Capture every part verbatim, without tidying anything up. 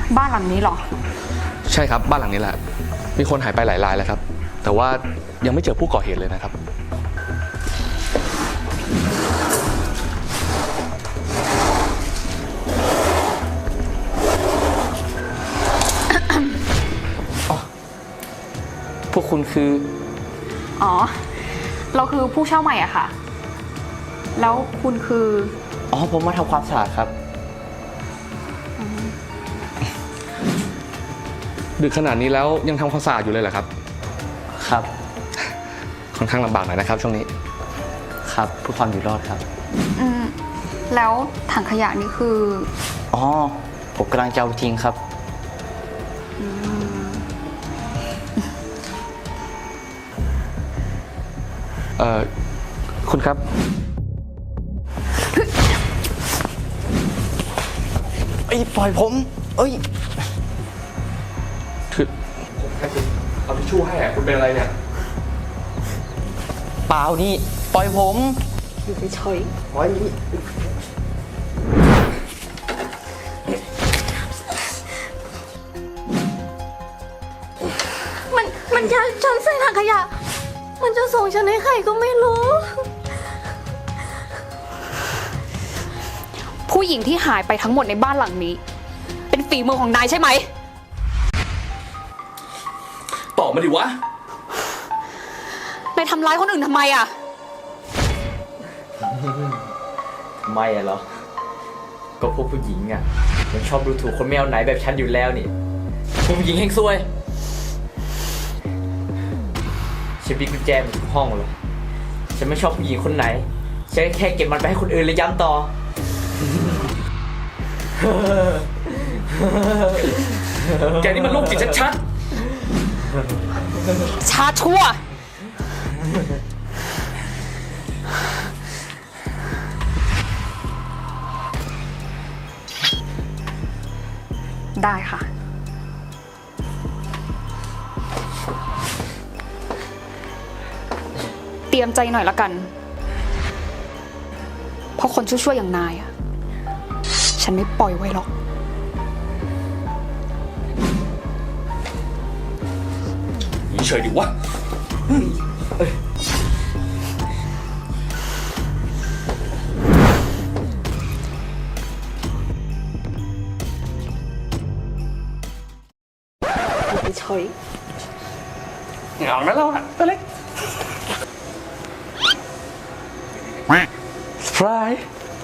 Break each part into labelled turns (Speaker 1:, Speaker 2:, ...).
Speaker 1: บ้านหลังนี้เหรอ
Speaker 2: ใช่ครับบ้านหลังนี้แหละมีคนหายไปหลายรายแล้วครับแต่ว่ายังไม่เจอผู้ก่อเหตุเลยนะครับ
Speaker 3: พวกคุณคือ
Speaker 1: อ๋อเราคือผู้เช่าใหม่อะค่ะแล้วคุณคือ
Speaker 3: อ๋อผมมาทำความสะอาดครับ
Speaker 2: ดึกขนาดนี้แล้วยังทำความสะอาดอยู่เลยเหรอครับ
Speaker 3: ครับ
Speaker 2: ค่อนข้างลำบากหน่อยนะครับช่วงนี้
Speaker 3: ครับเพื่อความอยู่รอดครับ
Speaker 1: อืมแล้วถังขยะนี่คือ
Speaker 3: อ๋อผมกำลังจะเอาทิ้งครับ
Speaker 2: เอ่อคุณครับ
Speaker 3: เอ้ยปล่อยผมเอ้ย
Speaker 2: คือผมแค่คุณเอาทิชชู่ให้อะคุณเป็นอะไรเนี่ย
Speaker 3: เปล่านี่ปล่อยผม
Speaker 1: อยู่เฉย
Speaker 3: ๆปล่อย
Speaker 4: มันมันจะฉันใส่ถังขยะมันจะส่งฉันให้ใครก็ไม่รู้
Speaker 1: ผู้หญิงที่หายไปทั้งหมดในบ้านหลังนี้เป็นฝีมือของนายใช่ไหม
Speaker 2: ตอบมาดิวะ
Speaker 1: นายทำร้ายคนอื่นทำไมอะ
Speaker 3: ไม่อะเหรอก็พวกผู้หญิงอะมันชอบดูถูกคนไม่เอาไหนแบบฉันอยู่แล้วนี่พวกผู้หญิงแห่งซวยฉันมีกุญแจหมดทุกห้องเลยฉันไม่ชอบผู้หญิงคนไหนฉันแค่เก็บมันไปให้คนอื่นแล้วย้ำต่อ
Speaker 2: แกนี่มันโรคจิตชัด
Speaker 1: ๆชาชั่วได้ค่ะเตรียมใจหน่อยละกันเพราะคนชั่วๆอย่างนายอะฉันไม่ปล่อยไว้หรอก
Speaker 2: เฉยดิวะ
Speaker 1: เฉย
Speaker 2: เหงานะเราอะตัวเล็กฟราย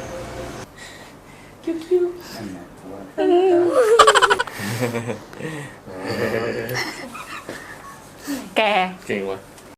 Speaker 2: คิวคิว
Speaker 1: แก
Speaker 2: เก่งวะ